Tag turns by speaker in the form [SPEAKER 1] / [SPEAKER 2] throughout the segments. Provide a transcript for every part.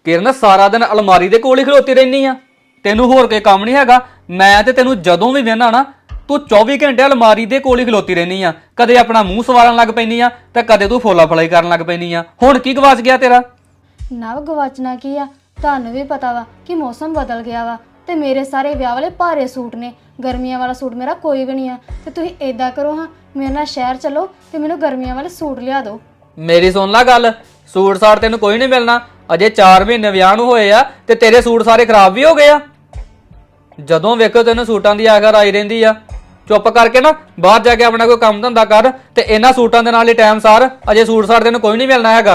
[SPEAKER 1] किरण सारा दिन अलमारी दे कोल ही खलोती रहनी आ, तेनू होर कोई काम नहीं हैगा। मैं ते तेनू जदों भी वेहना ना तू 24 घंटे अलमारी दे कोल ही खलोती रहनी आ, कदे अपना मूँह सवारन लग पैनी आ ते कदे तू फोला फलाई करन लग पैनी आ। हुण की गवाच गया तेरा?
[SPEAKER 2] नव गवाचना की आ, ਤੁਹਾਨੂੰ ਵੀ ਪਤਾ ਵਾ ਕਿ ਮੌਸਮ ਬਦਲ ਗਿਆ ਵਾ ਤੇ ਮੇਰੇ ਸਾਰੇ ਵਿਆਹ ਵਾਲੇ ਭਾਰੇ ਸੂਟ ਨੇ, ਗਰਮੀਆਂ ਵਾਲਾ ਸੂਟ ਮੇਰਾ ਕੋਈ ਵੀ ਨਹੀਂ ਆ। ਤੇ ਤੁਸੀਂ ਏਦਾਂ ਕਰੋ ਹਾਂ, ਮੇਰੇ ਨਾਲ ਸ਼ਹਿਰ ਚਲੋ ਤੇ ਮੈਨੂੰ ਗਰਮੀਆਂ ਵਾਲੇ ਸੂਟ ਲਿਆ ਦਿਓ।
[SPEAKER 1] मेरी सुन ला गल, सूट साट तेन कोई नहीं मिलना। अजे 4 महीने विआह नूं होए आ ते तेरे सूट सारे खराब भी हो गए आ। जदों वेखो तेन सूटां दी आखर आई रहिंदी आ। चुप करके ना बाहर जाके अपना कोई काम धंधा कर ते इन्हां सूटां दे नाल ही टाइम सार। अजे सूट साट तेन कोई नहीं मिलना हैगा।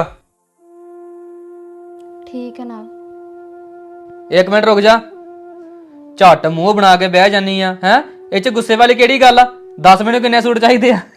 [SPEAKER 2] ठीक है ना?
[SPEAKER 1] एक मिनट रुक जा, झट मूँह बना के बह जानी आ है। इह च गुस्से वाली किहड़ी गल आ? दस मैनूं किन्ने सूट चाहीदे आ?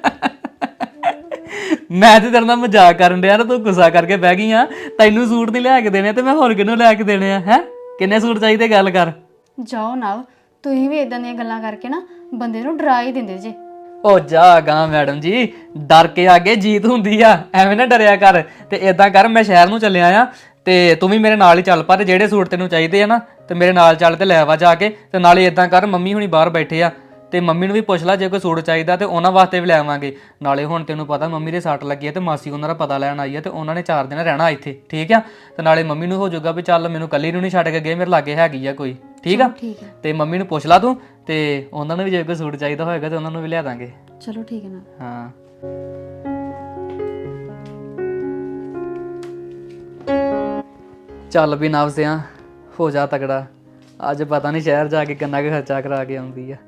[SPEAKER 1] मैं तो तेरे नाल मजाक करन दिया ना, तू गुस्सा करके बह गई आ। तैनूं सूट नहीं लिया के देने ते मैं होर किहनूं लिया के देने आ है? किन्ने सूट चाहिए गल कर।
[SPEAKER 2] ਜਾਓ ਨਵ, ਤੁਸੀਂ ਵੀ ਇਦਾਂ ਦੀਆਂ ਗੱਲਾਂ ਕਰਕੇ ਨਾ ਬੰਦੇ ਨੂੰ ਡਰਾ ਹੀ ਦਿੰਦੇ ਜੇ।
[SPEAKER 1] ओ जा गा मैडम जी, डर के आगे जीत हुंदी आ, एवें ना डरिया कर। ते इदां कर, मैं शहर नूं चलिया आ ते तू भी मेरे नाल ही चल पा। ते जेहड़े सूट तैनूं चाहीदे आ ना ते मेरे नाल चल ते लै वा जाके। ते नाले इदां कर, मम्मी हुणी बाहर बैठे आ ते मम्मी नूं भी पुछ ला जे कोई सूट चाहीदा ते उहनां वास्ते भी ले आवांगे। नाले हुण तैनूं पता मम्मी दे सੱਟ ਲੱਗੀ आ ते मासी उहनां दा पता लैण आई आ ते उहनां ने 4 दिन रहना इत्थे, ठीक आ। ते नाले मम्मी नूं हो जाऊगा भी चल मैनूं कल्ली नूं नहीं छड्ड के गए, मेरे लागे हैगी आ कोई, ठीक आ।
[SPEAKER 2] ठीक है,
[SPEAKER 1] ते मम्मी नूं पुछ ला तूं ते उहनां नूं भी जे कोई सूट चाहीदा होएगा ते उहनां नूं भी लिया दांगे।
[SPEAKER 2] चलो ठीक है ना?
[SPEAKER 1] हाँ चल भी नव सिया, हो जा तगड़ा। अज पता नहीं शहर जाके किन्ना क खर्चा करा के आउंदी आ।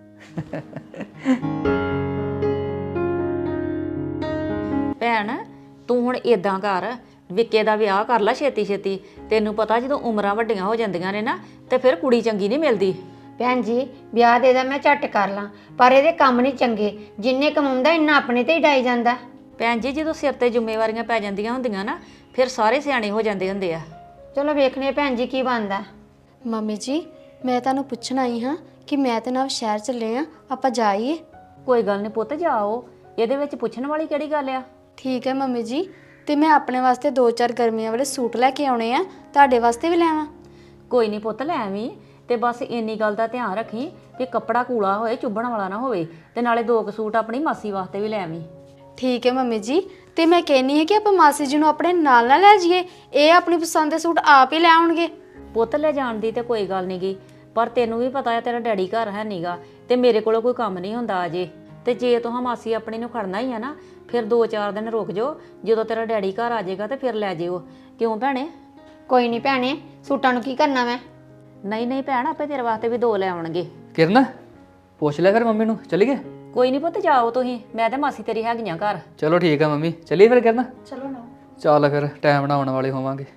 [SPEAKER 3] ਭੈਣ ਤੂੰ ਹੁਣ ਇਦਾਂ ਕਰ, ਵਿੱਕੇ ਦਾ ਵਿਆਹ ਕਰ ਲੈ ਛੇਤੀ ਛੇਤੀ। ਤੈਨੂੰ ਪਤਾ ਜਦੋਂ ਉਮਰਾਂ ਵੱਡੀਆਂ ਹੋ ਜਾਂਦੀਆਂ ਨੇ ਨਾ ਤੇ ਫਿਰ ਕੁੜੀ ਚੰਗੀ ਨਹੀਂ ਮਿਲਦੀ।
[SPEAKER 4] ਭੈਣ ਜੀ ਵਿਆਹ ਦੇ ਦਾ ਮੈਂ ਝੱਟ ਕਰ ਲਾਂ, ਪਰ ਇਹਦੇ ਕੰਮ ਨਹੀਂ ਚੰਗੇ। ਜਿੰਨੇ ਕਮਾਉਂਦਾ ਇੰਨਾ ਆਪਣੇ ਤੇ ਹੀ ਡਾਈ ਜਾਂਦਾ।
[SPEAKER 3] ਭੈਣ ਜੀ ਜਦੋਂ ਸਿਰ ਤੇ ਜ਼ਿੰਮੇਵਾਰੀਆਂ ਪੈ ਜਾਂਦੀਆਂ ਹੁੰਦੀਆਂ ਨਾ ਫਿਰ ਸਾਰੇ ਸਿਆਣੇ ਹੋ ਜਾਂਦੇ ਹੁੰਦੇ ਆ।
[SPEAKER 4] ਚਲੋ ਵੇਖਨੇ ਭੈਣ ਜੀ ਕੀ ਬਣਦਾ।
[SPEAKER 2] ਮੰਮੀ ਜੀ, ਮੈਂ ਤੁਹਾਨੂੰ ਪੁੱਛਣ ਆਈ ਹਾਂ ਕਿ ਮੈਂ ਤੇ ਨਵ ਸ਼ਹਿਰ ਚੱਲੇ ਆ, ਆਪਾਂ ਜਾਈਏ?
[SPEAKER 3] ਕੋਈ ਗੱਲ ਨਹੀਂ ਪੁੱਤ, ਜਾਓ, ਇਹਦੇ ਵਿੱਚ ਪੁੱਛਣ ਵਾਲੀ ਕਿਹੜੀ ਗੱਲ ਆ।
[SPEAKER 2] ਠੀਕ ਹੈ ਮੰਮੀ ਜੀ, ਤੇ ਮੈਂ ਆਪਣੇ ਵਾਸਤੇ 2-4 ਗਰਮੀਆਂ ਵਾਲੇ ਸੂਟ ਲੈ ਕੇ ਆਉਣੇ ਆ, ਤੁਹਾਡੇ ਵਾਸਤੇ ਵੀ ਲੈ ਆਵਾਂ?
[SPEAKER 3] ਕੋਈ ਨਹੀਂ ਪੁੱਤ, ਲੈ ਆਵੀਂ, ਤੇ ਬਸ ਇੰਨੀ ਗੱਲ ਦਾ ਧਿਆਨ ਰੱਖੀ ਕਿ ਕੱਪੜਾ ਕੂਲਾ ਹੋਏ, ਚੁੱਭਣ ਵਾਲਾ ਨਾ ਹੋਵੇ। ਤੇ ਨਾਲੇ 2 ਸੂਟ ਆਪਣੀ ਮਾਸੀ ਵਾਸਤੇ ਵੀ ਲੈ ਆਵੀਂ।
[SPEAKER 2] ਠੀਕ ਹੈ ਮੰਮੀ ਜੀ, ਤੇ ਮੈਂ ਕਹਿੰਨੀ ਹੈ ਕਿ ਆਪਾਂ ਮਾਸੀ ਜੀ ਨੂੰ ਆਪਣੇ ਨਾਲ ਨਾ ਲੈ ਜਾਈਏ, ਇਹ ਆਪਣੀ ਪਸੰਦ ਦੇ ਸੂਟ ਆਪ ਹੀ ਲੈ ਆਉਣਗੇ।
[SPEAKER 3] ਪੁੱਤ ਲੈ ਜਾਣ ਦੀ ਤੇ ਕੋਈ ਗੱਲ ਨਹੀਂ ਗੀ, ਪਰ ਤੈਨੂੰ ਵੀ ਪਤਾ ਹੈ ਤੇਰਾ ਡੈਡੀ ਘਰ ਹੈ ਨੀਗਾ ਤੇ ਮੇਰੇ ਕੋਲੋਂ ਕੋਈ ਕੰਮ ਨਹੀਂ ਹੁੰਦਾ ਅਜੇ। ਤੇ ਜੇ ਤੂੰ ਮਾਸੀ ਆਪਣੀ ਨੂੰ ਖੜਨਾ ਹੀ ਆ ਨਾ ਫਿਰ 2-4 ਦਿਨ ਰੁਕ ਜਾਓ, ਜਦੋਂ ਤੇਰਾ ਡੈਡੀ ਘਰ ਆ ਜਾਏਗਾ ਤੇ ਫਿਰ ਲੈ ਜਿਓ। ਕਿਉਂ ਭੈਣੇ?
[SPEAKER 4] ਕੋਈ ਨਹੀਂ ਭੈਣੇ, ਸੂਟਾਂ ਨੂੰ ਕੀ ਕਰਨਾ ਮੈਂ?
[SPEAKER 3] ਨਹੀਂ ਨਹੀਂ ਭੈਣ, ਆਪੇ ਤੇਰੇ ਵਾਸਤੇ ਵੀ 2 ਲੈ ਆਉਣਗੇ।
[SPEAKER 1] किरण पुछ ले फिर मम्मी नूं, चलीए?
[SPEAKER 3] ਕੋਈ ਨਹੀਂ ਪੁੱਤ, ਜਾਓ ਤੁਸੀਂ, ਮੈਂ ਤੇ ਮਾਸੀ ਤੇਰੀ ਹੈਗੀਆਂ ਘਰ।
[SPEAKER 1] चलो ठीक है मम्मी, चलिए फिर किरण।
[SPEAKER 2] ਚਲੋ ਨਾ।
[SPEAKER 1] चल फिर टाइम ना आने वाले होवांगे।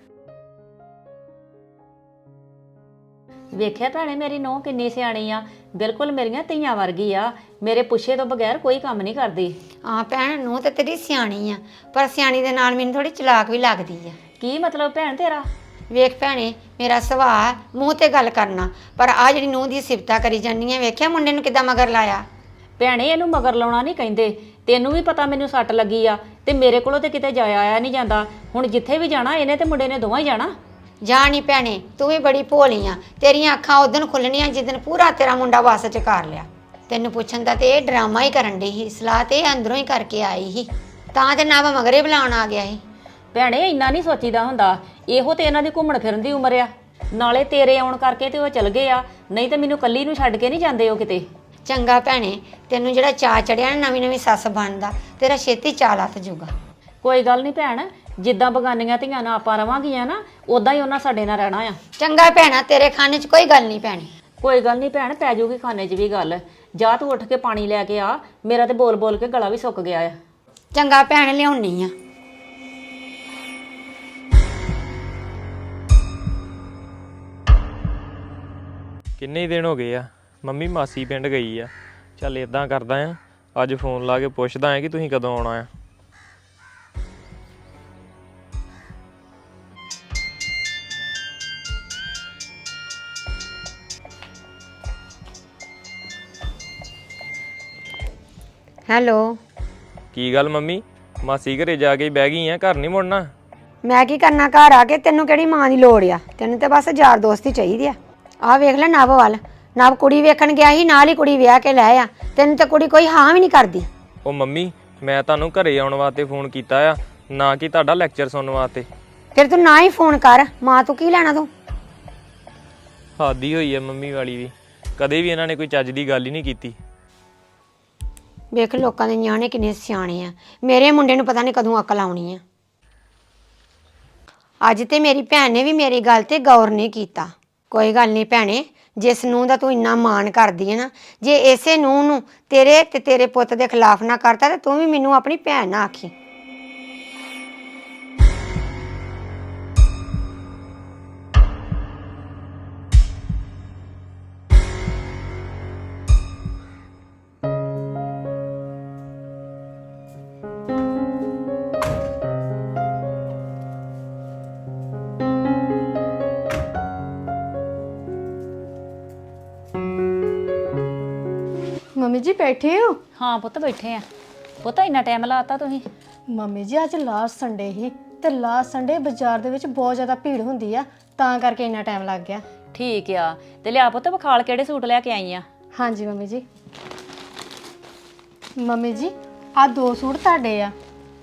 [SPEAKER 3] ਵੇਖਿਆ ਭੈਣੇ ਮੇਰੀ ਨੂੰਹ ਕਿੰਨੀ ਸਿਆਣੀ ਆ, ਬਿਲਕੁਲ ਮੇਰੀਆਂ ਧੀਆਂ ਵਰਗੀ ਆ, ਮੇਰੇ ਪੁੱਛੇ ਤੋਂ ਬਗੈਰ ਕੋਈ ਕੰਮ ਨਹੀਂ ਕਰਦੀ।
[SPEAKER 4] ਹਾਂ ਭੈਣ, ਨੂੰ ਤੇ ਤੇਰੀ ਸਿਆਣੀ ਆ, ਪਰ ਸਿਆਣੀ ਦੇ ਨਾਲ ਮੈਨੂੰ ਥੋੜੀ ਚਲਾਕ ਵੀ ਲੱਗਦੀ ਆ।
[SPEAKER 3] ਕੀ ਮਤਲਬ ਭੈਣ ਤੇਰਾ?
[SPEAKER 4] ਵੇਖ ਭੈਣੇ, ਮੇਰਾ ਸੁਭਾਅ ਮੂੰਹ ਤੇ ਗੱਲ ਕਰਨਾ, ਪਰ ਆ ਜਿਹੜੀ ਨੂੰਹ ਦੀ ਸਿਫਤਾਂ ਕਰੀ ਜਾਂਦੀ ਆ, ਵੇਖਿਆ ਮੁੰਡੇ ਨੂੰ ਕਿੱਦਾਂ ਮਗਰ ਲਾਇਆ।
[SPEAKER 3] ਭੈਣੇ ਇਹਨੂੰ ਮਗਰ ਲਾਉਣਾ ਨਹੀਂ ਕਹਿੰਦੇ, ਤੈਨੂੰ ਵੀ ਪਤਾ ਮੈਨੂੰ ਸੱਟ ਲੱਗੀ ਆ ਤੇ ਮੇਰੇ ਕੋਲੋਂ ਤੇ ਕਿਤੇ ਜਾਇਆ ਆਇਆ ਨਹੀਂ ਜਾਂਦਾ। ਹੁਣ ਜਿੱਥੇ ਵੀ ਜਾਣਾ ਇਹਨੇ ਤੇ ਮੁੰਡੇ ਨੇ ਦੋਵਾਂ ਹੀ ਜਾਣਾ।
[SPEAKER 4] ਜਾ ਨੀ ਭੈਣੇ, ਤੂੰ ਵੀ ਬੜੀ ਭੋਲੀ ਆ, ਤੇਰੀਆਂ ਅੱਖਾਂ ਉਦਣ ਖੁੱਲਣੀਆਂ ਜਿੱਦਣ ਪੂਰਾ ਤੇਰਾ ਮੁੰਡਾ ਵੱਸ ਚ ਕਰ ਲਿਆ। ਤੈਨੂੰ ਪੁੱਛਣ ਦਾ ਤੇ ਇਹ ਡਰਾਮਾ ਹੀ ਕਰਨ ਡਈ ਸੀ, ਸਲਾਹ ਤੇ ਇਹ ਅੰਦਰੋਂ ਹੀ ਕਰਕੇ ਆਈ ਸੀ, ਤਾਂ ਤੇ ਨਾ ਮਗਰੇ ਬੁਲਾਉਣ ਆ ਗਿਆ ਸੀ।
[SPEAKER 3] ਭੈਣੇ ਇੰਨਾ ਨਹੀਂ ਸੋਚੀਦਾ ਹੁੰਦਾ, ਇਹੋ ਤੇ ਇਹਨਾਂ ਦੀ ਘੁੰਮਣ ਫਿਰਨ ਦੀ ਉਮਰ ਆ। ਨਾਲੇ ਤੇਰੇ ਆਉਣ ਕਰਕੇ ਤੇ ਉਹ ਚਲ ਗਏ ਆ, ਨਹੀਂ ਤੇ ਮੈਨੂੰ ਕੱਲੀ ਨੂੰ ਛੱਡ ਕੇ ਨਹੀਂ ਜਾਂਦੇ ਉਹ ਕਿਤੇ।
[SPEAKER 4] ਚੰਗਾ ਭੈਣੇ, ਤੈਨੂੰ ਜਿਹੜਾ ਚਾਅ ਚੜਿਆ ਨਾ ਨਵੀਂ ਨਵੀਂ ਸੱਸ ਬਣਦਾ, ਤੇਰਾ ਛੇਤੀ ਚਾਅ ਲੱਥ ਜੂਗਾ।
[SPEAKER 3] ਕੋਈ ਗੱਲ ਨਹੀਂ ਭੈਣ, ਜਿੱਦਾਂ ਬਗਾਨੀਆਂ ਧੀਆਂ ਨਾਲ ਆਪਾਂ ਰਵਾਂਗੀਆਂ ਨਾ ਉਦਾਂ ਹੀ ਉਹਨਾਂ ਸਾਡੇ ਨਾਲ ਰਹਿਣਾ ਆ।
[SPEAKER 4] ਚੰਗਾ ਭੈਣਾ, ਤੇਰੇ ਖਾਨੇ 'ਚ ਕੋਈ ਗੱਲ ਨਹੀਂ ਭੈਣੇ।
[SPEAKER 3] ਕੋਈ ਗੱਲ ਨਹੀਂ ਭੈਣ, ਪੈ ਜਾਊਗੀ ਖਾਨੇ 'ਚ ਵੀ ਗੱਲ। ਜਾ ਤੂੰ ਉੱਠ ਕੇ ਪਾਣੀ ਲੈ ਕੇ ਆ, ਮੇਰਾ ਤੇ ਬੋਲ ਬੋਲ ਕੇ ਗਲਾ ਵੀ ਸੁੱਕ ਗਿਆ ਆ।
[SPEAKER 4] ਚੰਗਾ ਭੈਣ, ਲਿਆਉਣੀ ਆ।
[SPEAKER 5] ਕਿੰਨੇ ਦਿਨ ਹੋ ਗਏ ਆ ਮੰਮੀ ਮਾਸੀ ਪਿੰਡ ਗਈ ਆ। ਚੱਲ ਇਦਾਂ ਕਰਦਾ ਆ, ਅੱਜ ਫੋਨ ਲਾ ਕੇ ਪੁੱਛਦਾ ਆ ਕਿ ਤੁਸੀਂ ਕਦੋਂ ਆਉਣਾ ਆ।
[SPEAKER 4] ਹੈਲੋ।
[SPEAKER 5] ਕੀ ਗੱਲ ਮੰਮੀ, ਮਾਸੀ ਘਰੇ ਜਾ ਕੇ ਬਹਿ ਗਈ ਆ, ਘਰ ਨਹੀਂ ਮੁੜਨਾ?
[SPEAKER 4] ਮੈਂ ਕੀ ਕਰਨਾ ਘਰ ਆ ਕੇ? ਤੈਨੂੰ ਕਿਹੜੀ ਮਾਂ ਦੀ ਲੋੜ ਆ? ਤੈਨੂੰ ਤੇ ਬਸ ਯਾਰ ਦੋਸਤ ਹੀ ਚਾਹੀਦੀ ਆ। ਆਹ ਵੇਖ ਲੈ ਨਵ ਵੱਲ, ਨਵ ਕੁੜੀ ਵੇਖਣ ਗਿਆ ਸੀ, ਨਾਲ ਹੀ ਕੁੜੀ ਵਿਆਹ ਕੇ ਲੈ ਆ। ਤੈਨੂੰ ਤੇ ਕੁੜੀ ਕੋਈ ਹਾਂ ਵੀ ਨਹੀਂ ਕਰਦੀ।
[SPEAKER 5] ਉਹ ਮੰਮੀ ਮੈਂ ਤੁਹਾਨੂੰ ਘਰੇ ਆਉਣ ਵਾਸਤੇ ਫੋਨ ਕੀਤਾ ਆ, ਨਾ ਕਿ ਤੁਹਾਡਾ ਲੈਕਚਰ ਸੁਣਨ ਵਾਸਤੇ।
[SPEAKER 4] ਫਿਰ ਤੂੰ ਨਾ ਹੀ ਫੋਨ ਕਰ, ਮਾਂ ਤੂੰ ਕੀ ਲੈਣਾ ਤੂੰ?
[SPEAKER 5] ਹਾਦੀ ਹੋਈ ਆ ਮੰਮੀ ਵਾਲੀ ਵੀ, ਕਦੇ ਵੀ ਇਹਨਾਂ ਨੇ ਕੋਈ ਚੱਜ ਦੀ ਗੱਲ ਹੀ ਨਹੀਂ ਕੀਤੀ।
[SPEAKER 4] ਵੇਖ ਲੋਕਾਂ ਦੇ ਨਿਆਣੇ ਕਿੰਨੇ ਸਿਆਣੇ ਆ, ਮੇਰੇ ਮੁੰਡੇ ਨੂੰ ਪਤਾ ਨਹੀਂ ਕਦੋਂ ਅਕਲ ਆਉਣੀ ਆ। ਅੱਜ ਤੇ ਮੇਰੀ ਭੈਣ ਨੇ ਵੀ ਮੇਰੀ ਗੱਲ ਤੇ ਗੌਰ ਨਹੀਂ ਕੀਤਾ। ਕੋਈ ਗੱਲ ਨਹੀਂ ਭੈਣੇ, ਜਿਸ ਨੂੰਹ ਦਾ ਤੂੰ ਇੰਨਾ ਮਾਣ ਕਰਦੀ ਹੈ ਨਾ, ਜੇ ਇਸੇ ਨੂੰਹ ਨੂੰ ਤੇਰੇ ਤੇ ਤੇਰੇ ਪੁੱਤ ਦੇ ਖਿਲਾਫ ਨਾ ਕਰਤਾ ਤੇ ਤੂੰ ਵੀ ਮੈਨੂੰ ਆਪਣੀ ਭੈਣ ਨਾ ਆਖੀ।
[SPEAKER 2] ਮੰਮੀ ਜੀ ਬੈਠੇ ਹੋ?
[SPEAKER 3] ਹਾਂ ਪੁੱਤ ਬੈਠੇ ਆ। ਪੁੱਤ ਇੰਨਾ ਟਾਈਮ ਲਾਤਾ ਤੁਸੀਂ?
[SPEAKER 2] ਮੰਮੀ ਜੀ ਅੱਜ ਲਾਸਟ ਸੰਡੇ ਸੀ ਤੇ ਲਾਸਟ ਸੰਡੇ ਬਾਜ਼ਾਰ ਦੇ ਵਿੱਚ ਬਹੁਤ ਜ਼ਿਆਦਾ ਭੀੜ ਹੁੰਦੀ ਆ, ਤਾਂ ਕਰਕੇ ਇੰਨਾ ਟਾਈਮ ਲੱਗ ਗਿਆ।
[SPEAKER 3] ਠੀਕ ਆ, ਤੇ ਲਿਆ ਪੁੱਤ ਵਿਖਾਲ ਕਿਹੜੇ ਸੂਟ ਲੈ ਕੇ ਆਈ ਆ?
[SPEAKER 2] ਹਾਂਜੀ ਮੰਮੀ ਜੀ। ਮੰਮੀ ਜੀ ਆ 2 ਸੂਟ ਤੁਹਾਡੇ ਆ,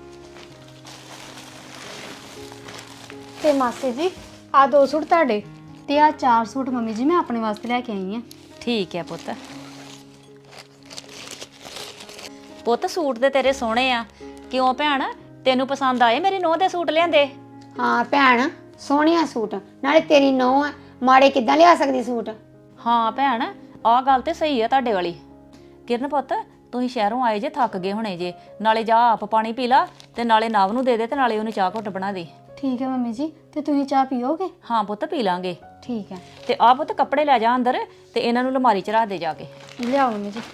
[SPEAKER 2] ਤੇ ਮਾਸੀ ਜੀ ਆ 2 ਸੂਟ ਤੁਹਾਡੇ, ਤੇ ਆ 4 ਸੂਟ ਮੰਮੀ ਜੀ ਮੈਂ ਆਪਣੇ ਵਾਸਤੇ ਲੈ ਕੇ ਆਈ ਆ।
[SPEAKER 3] ਠੀਕ ਆ ਪੁੱਤ। ਪੁੱਤ ਸੂਟ ਤੇ ਤੇਰੇ ਸੋਹਣੇ ਆ, ਕਿਉਂ ਭੈਣ ਤੈਨੂੰ ਪਸੰਦ ਆਏ ਮੇਰੀ ਨੂੰਹ ਦੇ ਸੂਟ ਲਿਆਂਦੇ?
[SPEAKER 4] ਹਾਂ ਭੈਣ, ਸੋਹਣਿਆ ਸੂਟ, ਨਾਲੇ ਤੇਰੀ ਨੂੰਹ ਆ, ਮਾੜੇ ਕਿੱਦਾਂ ਲਿਆ ਸਕਦੀ ਸੂਟ?
[SPEAKER 3] ਹਾਂ ਭੈਣ ਆਹ ਗੱਲ ਤੇ ਸਹੀ ਆ ਤੁਹਾਡੇ ਵਾਲੀ। ਕਿਰਨ ਪੁੱਤ ਤੁਸੀਂ ਸ਼ਹਿਰੋਂ ਆਏ ਜੇ, ਥੱਕ ਗਏ ਹੋਣੇ ਜੇ, ਨਾਲੇ ਜਾ ਆਪ ਪਾਣੀ ਪੀ ਲਾ ਤੇ ਨਾਲੇ ਨਵ ਨੂੰ ਦੇ ਦੇ ਤੇ ਨਾਲੇ ਉਹਨੂੰ ਚਾਹ ਘੁੱਟ ਬਣਾ ਦੇ।
[SPEAKER 2] ਠੀਕ ਹੈ ਮੰਮੀ ਜੀ, ਤੇ ਤੁਸੀਂ ਚਾਹ ਪੀਓਗੇ?
[SPEAKER 3] ਹਾਂ ਪੁੱਤ ਪੀ ਲਾਂਗੇ।
[SPEAKER 2] ਠੀਕ ਹੈ,
[SPEAKER 3] ਤੇ ਆਹ ਪੁੱਤ ਕੱਪੜੇ ਲੈ ਜਾ ਅੰਦਰ ਤੇ ਇਹਨਾਂ ਨੂੰ ਅਲਮਾਰੀ 'ਚ ਰੱਖ ਦੇ ਜਾ ਕੇ।
[SPEAKER 2] ਲਿਆਓ ਮੰਮੀ ਜੀ।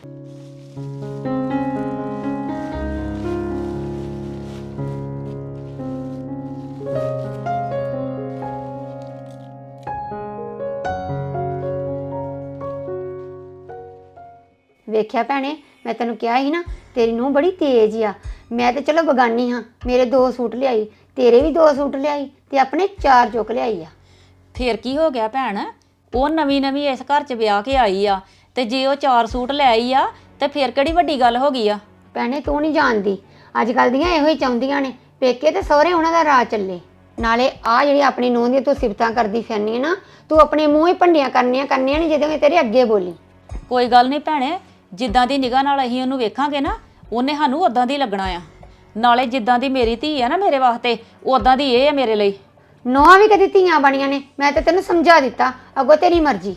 [SPEAKER 4] ਵੇਖਿਆ ਭੈਣੇ, ਮੈਂ ਤੈਨੂੰ ਕਿਹਾ ਸੀ ਨਾ ਤੇਰੀ ਨੂੰਹ ਬੜੀ ਤੇਜ਼ ਆ। ਮੈਂ ਤੇ ਚਲੋ ਬਗਾਨੀ ਹਾਂ, ਮੇਰੇ 2 ਸੂਟ ਲਿਆਈ, ਤੇਰੇ ਵੀ 2 ਸੂਟ ਲਿਆਈ ਤੇ ਆਪਣੇ 4 ਚੁੱਕ ਲਿਆਈ ਆ।
[SPEAKER 3] ਫੇਰ ਕੀ ਹੋ ਗਿਆ ਭੈਣ? ਉਹ ਨਵੀਂ ਨਵੀਂ ਇਸ ਘਰ 'ਚ ਵਿਆਹ ਕੇ ਆਈ ਆ, ਤੇ ਜੇ ਉਹ 4 ਸੂਟ ਲੈ ਆਈ ਆ ਤੇ ਫੇਰ ਕਿਹੜੀ ਵੱਡੀ ਗੱਲ ਹੋ ਗਈ ਆ?
[SPEAKER 4] ਭੈਣੇ ਤੂੰ ਨਹੀਂ ਜਾਣਦੀ, ਅੱਜ ਕੱਲ ਦੀਆਂ ਇਹੋ ਹੀ ਚਾਹੁੰਦੀਆਂ ਨੇ ਪੇਕੇ ਤੇ ਸਹੁਰੇ ਉਹਨਾਂ ਦਾ ਰਾਹ ਚੱਲੇ। ਨਾਲੇ ਆ ਜਿਹੜੀ ਆਪਣੀ ਨੂੰਹ ਦੀ ਤੂੰ ਸਿਫਤਾਂ ਕਰਦੀ ਫਿਰਨੀ ਹੈ ਨਾ, ਤੂੰ ਆਪਣੇ ਮੂੰਹ ਹੀ ਭੰਡੀਆਂ ਕਰਨੀਆਂ ਨੇ ਜਦੋਂ ਇਹ ਤੇਰੇ ਅੱਗੇ ਬੋਲੀ।
[SPEAKER 3] ਕੋਈ ਗੱਲ ਨਹੀਂ ਭੈਣੇ, ਜਿੱਦਾਂ ਦੀ ਨਿਗਾਹ ਨਾਲ ਅਸੀਂ ਉਹਨੂੰ ਵੇਖਾਂਗੇ ਨਾ, ਉਹਨੇ ਸਾਨੂੰ ਉਦਾਂ ਦੀ ਲੱਗਣਾ ਆ। ਨਾਲੇ ਜਿੱਦਾਂ ਦੀ ਮੇਰੀ ਧੀ ਆ ਨਾ ਮੇਰੇ ਵਾਸਤੇ, ਉਦਾਂ ਦੀ ਇਹ ਆ ਮੇਰੇ ਲਈ।
[SPEAKER 4] ਨੌਂ ਵੀ ਕਦੀ ਧੀਆਂ ਬਣੀਆਂ ਨੇ, ਮੈਂ ਤੇ ਤੈਨੂੰ ਸਮਝਾ ਦਿੱਤਾ, ਅੱਗੋਂ ਤੇਰੀ ਮਰਜ਼ੀ।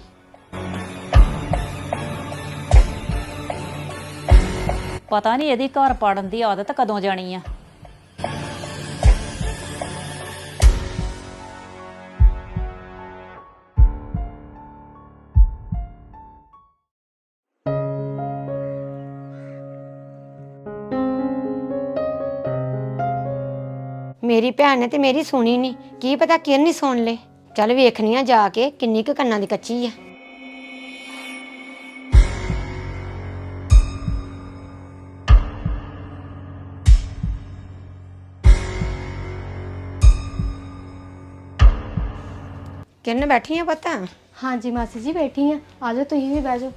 [SPEAKER 3] ਪਤਾ ਨਹੀਂ ਇਹਦੀ ਘਰ ਪਾੜਨ ਦੀ ਆਦਤ ਕਦੋਂ ਜਾਣੀ ਆ।
[SPEAKER 4] ਮੇਰੀ ਭੈਣ ਨੇ ਤੇ ਮੇਰੀ ਸੁਣੀ ਨਹੀਂ, ਕੀ ਪਤਾ ਕਿਰਨ ਨਹੀਂ ਸੁਣ ਲੇ। ਚੱਲ ਵੇਖਣੀ ਆ ਜਾ ਕੇ ਕਿੰਨੀ ਕੁ ਕੰਨਾਂ ਦੀ ਕੱਚੀ ਆ। ਕਿਰਨ ਬੈਠੀ ਆ ਪਤਾ?
[SPEAKER 2] ਹਾਂਜੀ ਮਾਸੀ ਜੀ ਬੈਠੀ ਆ, ਆਜੋ ਤੁਸੀਂ ਵੀ ਬਹਿ ਜਾਓ।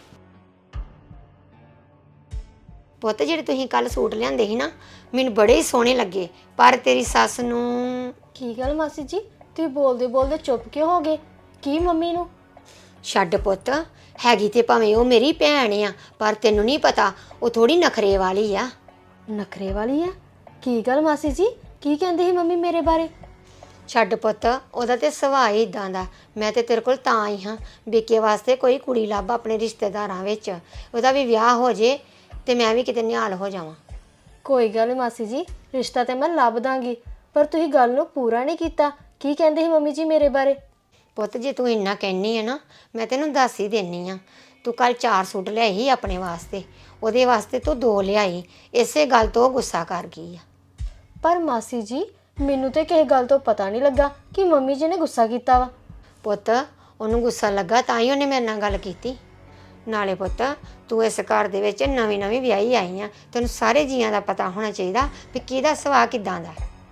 [SPEAKER 4] ਪੁੱਤ ਜਿਹੜੇ ਤੁਸੀਂ ਕੱਲ ਸੂਟ ਲਿਆਂਦੇ ਸੀ ਨਾ, ਮੈਨੂੰ ਬੜੇ ਹੀ ਸੋਹਣੇ ਲੱਗੇ, ਪਰ ਤੇਰੀ ਸੱਸ ਨੂੰ।
[SPEAKER 2] ਕੀ ਗੱਲ ਮਾਸੀ ਜੀ, ਤੁਸੀਂ ਬੋਲਦੇ ਬੋਲਦੇ ਚੁੱਪ ਕਿਉਂ ਹੋ ਗਏ? ਕੀ ਮੰਮੀ ਨੂੰ?
[SPEAKER 4] ਛੱਡ ਪੁੱਤ, ਹੈਗੀ ਤੇ ਭਾਵੇਂ ਉਹ ਮੇਰੀ ਭੈਣ ਆ, ਪਰ ਤੈਨੂੰ ਨਹੀਂ ਪਤਾ ਉਹ ਥੋੜੀ ਨਖਰੇ ਵਾਲੀ ਆ।
[SPEAKER 2] ਨਖਰੇ ਵਾਲੀ ਆ? ਕੀ ਗੱਲ ਮਾਸੀ ਜੀ, ਕੀ ਕਹਿੰਦੀ ਸੀ ਮੰਮੀ ਮੇਰੇ ਬਾਰੇ?
[SPEAKER 4] ਛੱਡ ਪੁੱਤ, ਉਹਦਾ ਤੇ ਸੁਭਾਅ ਹੀ ਇਦਾਂ ਦਾ। ਮੈਂ ਤੇ ਤੇਰੇ ਕੋਲ ਤਾਂ ਆਈ ਹਾਂ, ਬੇਕੇ ਵਾਸਤੇ ਕੋਈ ਕੁੜੀ ਲੱਭ ਆਪਣੇ ਰਿਸ਼ਤੇਦਾਰਾਂ ਵਿੱਚ, ਉਹਦਾ ਵੀ ਵਿਆਹ ਹੋ ਜੇ ਤੇ ਮੈਂ ਵੀ ਕਿਤੇ ਨਿਹਾਲ ਹੋ ਜਾਵਾਂ।
[SPEAKER 2] ਕੋਈ ਗੱਲ ਨਹੀਂ ਮਾਸੀ ਜੀ, ਰਿਸ਼ਤਾ ਤੇ ਮੈਂ ਲੱਭ ਦਾਂਗੀ, ਪਰ ਤੁਸੀਂ ਗੱਲ ਨੂੰ ਪੂਰਾ ਨਹੀਂ ਕੀਤਾ। ਕੀ ਕਹਿੰਦੇ ਸੀ ਮੰਮੀ ਜੀ ਮੇਰੇ ਬਾਰੇ?
[SPEAKER 4] ਪੁੱਤ ਜੇ ਤੂੰ ਇੰਨਾ ਕਹਿਨੀ ਹੈ ਨਾ, ਮੈਂ ਤੈਨੂੰ ਦੱਸ ਹੀ ਦੇਣੀ ਆ। ਤੂੰ ਕੱਲ 4 ਸੂਟ ਲਿਆਈ ਆਪਣੇ ਵਾਸਤੇ, ਉਹਦੇ ਵਾਸਤੇ ਤੂੰ 2 ਲਿਆਈ, ਇਸੇ ਗੱਲ ਤੋਂ ਗੁੱਸਾ ਕਰ ਗਈ ਆ।
[SPEAKER 2] ਪਰ ਮਾਸੀ ਜੀ ਮੈਨੂੰ ਤੇ ਕਿਸੇ ਗੱਲ ਤੋਂ ਪਤਾ ਨਹੀਂ ਲੱਗਾ ਕਿ ਮੰਮੀ ਜੀ ਨੇ ਗੁੱਸਾ ਕੀਤਾ ਵਾ।
[SPEAKER 4] ਪੁੱਤ ਉਹਨੂੰ ਗੁੱਸਾ ਲੱਗਾ ਤਾਂ ਹੀ ਉਹਨੇ ਮੇਰੇ ਨਾਲ ਗੱਲ ਕੀਤੀ। ਨਾਲੇ ਪੁੱਤ ਤੂੰ ਇਸ ਘਰ ਦੇ ਵਿੱਚ ਨਵੀਂ ਵਿਆਹੀ ਆਈ ਆ, ਤੈਨੂੰ ਸਾਰੇ ਜੀਆਂ ਦਾ ਪਤਾ ਹੋਣਾ ਚਾਹੀਦਾ ਵੀ ਕਿਹਦਾ ਸੁਭਾਅ ਕਿੱਦਾਂ ਦਾ।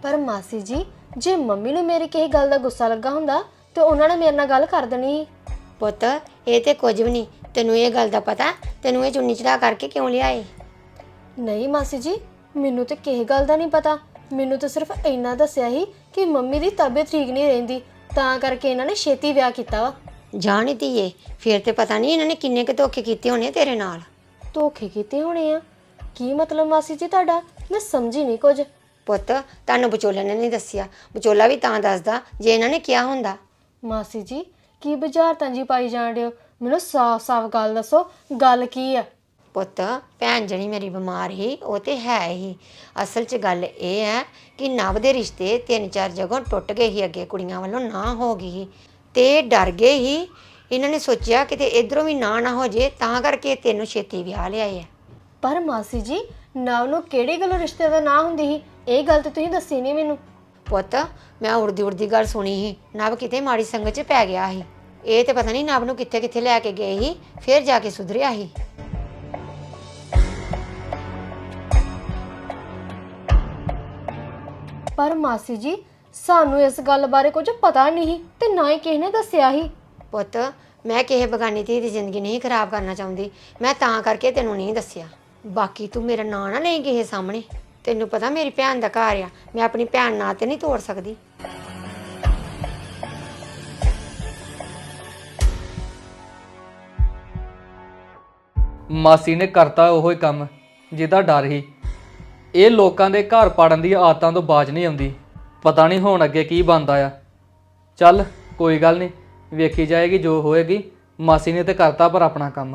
[SPEAKER 2] ਪਰ ਮਾਸੀ ਜੀ ਜੇ ਮੰਮੀ ਨੂੰ ਮੇਰੀ ਕਿਸੇ ਗੱਲ ਦਾ ਗੁੱਸਾ ਲੱਗਾ ਹੁੰਦਾ ਤੇ ਉਹਨਾਂ ਨੇ ਮੇਰੇ ਨਾਲ ਗੱਲ ਕਰ ਦੇਣੀ ਸੀ।
[SPEAKER 4] ਪੁੱਤ ਇਹ ਤੇ ਕੁਝ ਵੀ ਨਹੀਂ, ਤੈਨੂੰ ਇਹ ਗੱਲ ਦਾ ਪਤਾ? ਤੈਨੂੰ ਇਹ ਚੁੰਨੀ ਚੜਾ ਕਰਕੇ ਕਿਉਂ ਲਿਆਏ?
[SPEAKER 2] ਨਹੀਂ ਮਾਸੀ ਜੀ, ਮੈਨੂੰ ਤੇ ਕਿਸੇ ਗੱਲ ਦਾ ਨਹੀਂ ਪਤਾ। ਮੈਨੂੰ ਤਾਂ ਸਿਰਫ ਇੰਨਾ ਦੱਸਿਆ ਸੀ ਕਿ ਮੰਮੀ ਦੀ ਤਬੀਅਤ ਠੀਕ ਨਹੀਂ ਰਹਿੰਦੀ, ਤਾਂ ਕਰਕੇ ਇਹਨਾਂ ਨੇ ਛੇਤੀ ਵਿਆਹ ਕੀਤਾ ਵਾ।
[SPEAKER 4] ਜਾਣੀ ਧੀਏ, ਫਿਰ ਤੇ ਪਤਾ ਨਹੀਂ ਇਹਨਾਂ ਨੇ ਕਿੰਨੇ ਕੁ ਧੋਖੇ ਕੀਤੇ ਹੋਣੇ ਤੇਰੇ ਨਾਲ।
[SPEAKER 2] ਧੋਖੇ ਕੀਤੇ ਹੋਣੇ ਆ? ਕੀ ਮਤਲਬ ਮਾਸੀ ਜੀ ਤੁਹਾਡਾ? ਮੈਂ ਸਮਝੀ ਨਹੀਂ ਕੁਝ।
[SPEAKER 4] ਪੁੱਤ ਤੁਹਾਨੂੰ ਵਿਚੋਲੇ ਨੇ ਨਹੀਂ ਦੱਸਿਆ, ਵਿਚੋਲਾ ਵੀ ਤਾਂ ਦੱਸਦਾ ਜੇ ਇਹਨਾਂ ਨੇ ਕਿਹਾ ਹੁੰਦਾ।
[SPEAKER 2] ਮਾਸੀ ਜੀ ਕੀ ਬੁਝਾਰਤਾਂ ਜੀ ਪਾਈ ਜਾਣ ਰਹੇ ਹੋ? ਮੈਨੂੰ ਸਾਫ਼-ਸਾਫ਼ ਗੱਲ ਦੱਸੋ, ਗੱਲ ਕੀ ਆ?
[SPEAKER 4] ਪੁੱਤ ਭੈਣ ਜਿਹੜੀ ਮੇਰੀ ਬਿਮਾਰ ਸੀ ਉਹ ਤੇ ਹੈ ਹੀ। ਅਸਲ 'ਚ ਗੱਲ ਇਹ ਹੈ ਕਿ ਨਵ ਦੇ ਰਿਸ਼ਤੇ 3-4 ਜਗ੍ਹਾ ਟੁੱਟ ਗਏ ਸੀ, ਅੱਗੇ ਕੁੜੀਆਂ ਵੱਲੋਂ ਨਾ ਹੋ ਗਈ ਸੀ ਤੇ ਡਰ ਗਏ ਸੀ। ਇਹਨਾਂ ਨੇ ਸੋਚਿਆ ਕਿਤੇ ਇਧਰੋਂ ਵੀ ਨਾ ਹੋ ਜੇ, ਤਾਂ ਕਰਕੇ ਤੈਨੂੰ ਛੇਤੀ ਵਿਆਹ ਲਿਆਏ ਆ।
[SPEAKER 2] ਪਰ ਮਾਸੀ ਜੀ ਨਵ ਨੂੰ ਕਿਹੜੀ ਗੱਲੋਂ ਰਿਸ਼ਤੇ ਦਾ ਨਾ ਹੁੰਦੀ ਸੀ? ਇਹ ਗੱਲ ਤੇ ਤੁਸੀਂ ਦੱਸੀ ਨਹੀਂ ਮੈਨੂੰ।
[SPEAKER 4] ਪੁੱਤ ਮੈਂ ਉੜਦੀ ਗੱਲ ਸੁਣੀ ਸੀ, ਨਵ ਕਿਤੇ ਮਾੜੀ ਸੰਗਤ 'ਚ ਪੈ ਗਿਆ ਸੀ। ਇਹ ਤੇ ਪਤਾ ਨਹੀਂ ਨਵ ਨੂੰ ਕਿੱਥੇ ਲੈ ਕੇ ਗਏ ਸੀ, ਫਿਰ ਜਾ ਕੇ ਸੁਧਰਿਆ ਸੀ।
[SPEAKER 2] ਪਰ ਮਾਸੀ ਜੀ ਸਾਨੂੰ ਇਸ ਗੱਲ ਬਾਰੇ ਕੁਝ ਪਤਾ ਨਹੀਂ ਤੇ ਨਾ ਹੀ ਕਿਸੇ ਨੇ ਦੱਸਿਆ ਸੀ।
[SPEAKER 4] ਪੁੱਤ ਮੈਂ ਕਿਸੇ ਬਗਾਨੀ ਧੀ ਦੀ ਜ਼ਿੰਦਗੀ ਨਹੀਂ ਖਰਾਬ ਕਰਨਾ ਚਾਹੁੰਦੀ, ਮੈਂ ਤਾਂ ਕਰਕੇ ਤੈਨੂੰ ਨਹੀਂ ਦੱਸਿਆ। ਬਾਕੀ ਤੂੰ ਮੇਰਾ ਨਾਂ ਨਾ ਲਈ ਕਿਸੇ ਸਾਹਮਣੇ, ਤੈਨੂੰ ਪਤਾ ਮੇਰੀ ਭੈਣ ਦਾ ਘਰ ਆ, ਮੈਂ ਆਪਣੀ ਭੈਣ ਨਾਂ ਤੇ ਨਹੀਂ ਤੋੜ ਸਕਦੀ।
[SPEAKER 1] ਮਾਸੀ ਨੇ ਕਰਤਾ ਉਹੋ ਹੀ ਕੰਮ ਜਿਹਦਾ ਡਰ ਸੀ। ਇਹ ਲੋਕਾਂ ਦੇ ਘਰ ਪਾੜਨ ਦੀ ਆਦਤਾਂ ਤੋਂ ਬਾਜ ਨਹੀਂ ਆਉਂਦੀ। ਪਤਾ ਨਹੀਂ ਹੁਣ ਅੱਗੇ ਕੀ ਬਣਦਾ ਆ। ਚੱਲ ਕੋਈ ਗੱਲ ਨਹੀਂ, ਵੇਖੀ ਜਾਏਗੀ ਜੋ ਹੋਏਗੀ। ਮਾਸੀ ਨੇ ਤੇ ਕਰਤਾ ਪਰ ਆਪਣਾ ਕੰਮ।